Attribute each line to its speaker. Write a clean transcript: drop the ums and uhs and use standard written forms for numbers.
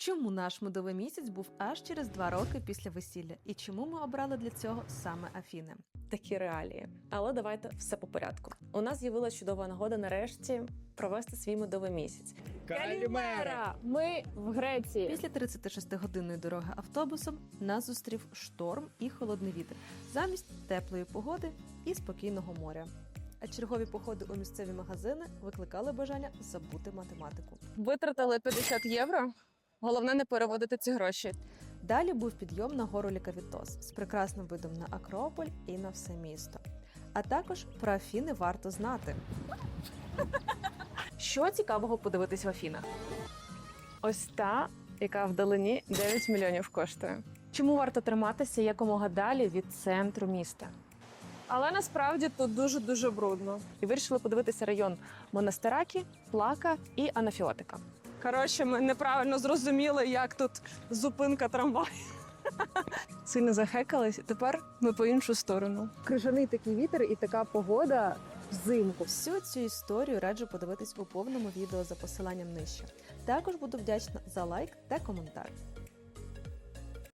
Speaker 1: Чому наш медовий місяць був аж через 2 роки після весілля? І чому ми обрали для цього саме Афіни?
Speaker 2: Такі реалії. Але давайте все по порядку. У нас з'явилася чудова нагода нарешті провести свій медовий місяць.
Speaker 3: Калімера! Ми в Греції.
Speaker 1: Після 36-годинної дороги автобусом нас зустрів шторм і холодний вітер, замість теплої погоди і спокійного моря. А чергові походи у місцеві магазини викликали бажання забути математику.
Speaker 3: Витратили 50 євро. Головне не переводити ці гроші.
Speaker 1: Далі був підйом на гору Лікавітос з прекрасним видом на Акрополь і на все місто. А також про Афіни варто знати.
Speaker 3: Що цікавого подивитись в Афінах? Ось та, яка вдалині 9 мільйонів коштує. Чому варто триматися якомога далі від центру міста? Але насправді тут дуже-дуже брудно.
Speaker 2: І вирішили подивитися район Монастиракі, Плака і Анафіотика.
Speaker 3: Коротше, ми неправильно зрозуміли, як тут зупинка трамваю. Сильно захекались, тепер ми по іншу сторону.
Speaker 4: Крижаний такий вітер і така погода взимку.
Speaker 1: Всю цю історію раджу подивитись у повному відео за посиланням нижче. Також буду вдячна за лайк та коментар.